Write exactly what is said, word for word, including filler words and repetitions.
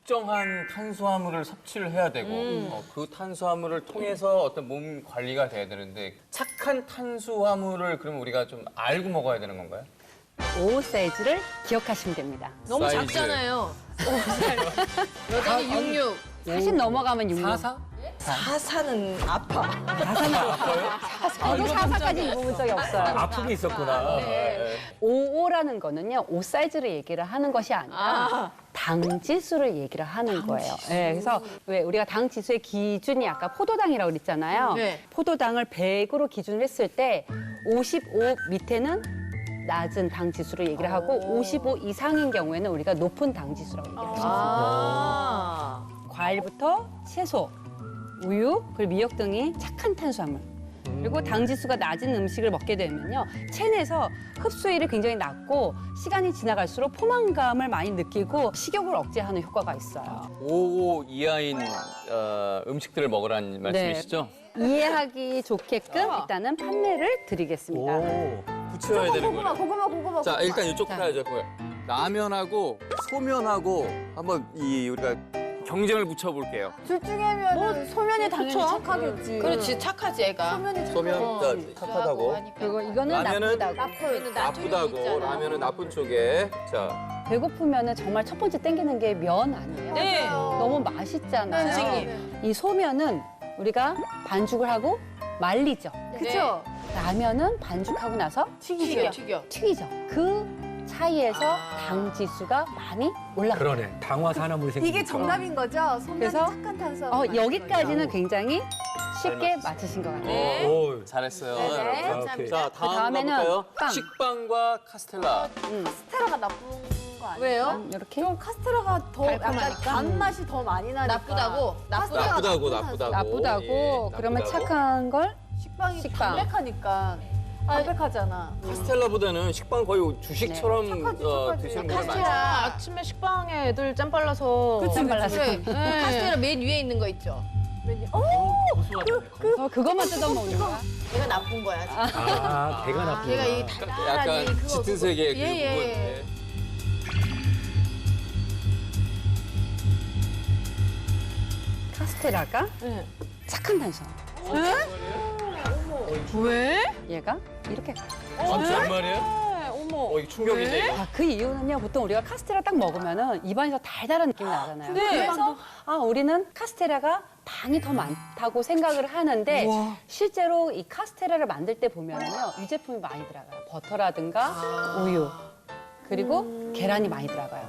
특정한 탄수화물을 섭취를 해야 되고 음. 어, 그 탄수화물을 통해서 어떤 몸 관리가 돼야 되는데 착한 탄수화물을 그러면 우리가 좀 알고 먹어야 되는 건가요? 오 사이즈를 기억하시면 됩니다. 너무 사이즈. 작잖아요. 여자는 육육. 사십 넘어가면 육육. 사사? 사사는 아파. 저도 사사까지 입어본 적이 없어요. 아픈 게 있었구나. 오오라는 거는요, 오 사이즈를 얘기를 하는 것이 아니라 아. 당 지수를 얘기를 하는 거예요. 네, 그래서 왜 우리가 당 지수의 기준이 아까 포도당이라고 그랬잖아요. 네. 포도당을 백으로 기준을 했을 때 오십오 밑에는 낮은 당 지수를 얘기를 하고 오십오 이상인 경우에는 우리가 높은 당 지수라고 얘기를 해요. 아. 과일부터 채소, 우유, 그리고 미역 등이 착한 탄수화물. 그리고 당 지수가 낮은 음식을 먹게 되면요, 체내에서 흡수율이 굉장히 낮고 시간이 지나갈수록 포만감을 많이 느끼고 식욕을 억제하는 효과가 있어요. 오오 이하인 어, 음식들을 먹으라는 말씀이시죠? 이해하기 좋게끔 일단은 판매를 드리겠습니다. 오. 붙여야 되는 거예요. 고구마, 고구마. 자, 일단 이쪽부터 자. 해야죠. 그거요. 라면하고 소면하고 한번 이 우리가 경쟁을 붙여볼게요. 둘 중에면 뭐, 소면이 당연히 그쵸? 착하겠지. 그렇지, 착하지, 애가. 소면이 소면 어, 자, 좋아하고 착하다고. 하니까. 그리고 이거는 라면은 나쁘다고. 나쁜, 나쁘다고. 라면은 나쁜 쪽에. 자, 배고프면 정말 첫 번째 땡기는 게 면 아니에요? 네. 너무 맛있잖아요. 선생님. 이 소면은 우리가 반죽을 하고 말리죠. 그쵸? 라면은 반죽하고 나서 튀겨, 튀겨. 튀기죠. 그 차이에서 당 지수가 많이 올라가요. 그러네. 당화산화물이 생기니까. 이게 정답인 거죠? 소면이 그래서, 착한 탄수화물. 어, 맞는 여기까지는 거죠? 굉장히 쉽게 맞췄어요. 맞히신 것 같아요. 네. 오. 잘했어요. 네, 여러분. 감사합니다. 자, 다음 다음에는 가볼까요? 빵. 식빵과 카스텔라. 카스테라가 나쁜 거 아니에요? 왜요? 이렇게 좀 카스테라가 더 약간 달콤하니까? 단맛이 더 많이 나니까. 나쁘다고? 카스테라가 나쁘다고, 나쁜 나쁘다고. 나쁘다고. 예, 그러면 나쁘다고. 착한 걸 식빵이 식빵. 담백하니까. 담백하잖아. 카스텔라보다는 식빵 거의 주식처럼 네. 착하지, 어, 착하지. 드시는 분들 많죠. 카스테라 아침에 식빵에 애들 짬 발라서. 그치, 짬 발라서. 그래. 카스테라 맨 위에 있는 거 있죠? 어? 어, 그것만 뜯어 먹는 거야. 얘가 나쁜 거야. 지금. 아, 배가 나쁘구나. 얘가 이 약간 달달하니 그거. 짙은 색의 그 예, 예, 부분. 예. 예. 카스테라가 네. 착한 탄수화물. 왜? 얘가 이렇게 가요. 아, 정말이에요? 네, 어머. 어, 이거 충격인데, 이거. 아, 그 이유는요, 보통 우리가 카스테라 딱 먹으면은 입안에서 달달한 느낌이 나잖아요. 네. 그래서 아, 우리는 카스테라가 당이 더 많다고 생각을 하는데 실제로 이 카스테라를 만들 때 보면은요, 유제품이 많이 들어가요. 버터라든가 우유, 그리고 계란이 많이 들어가요.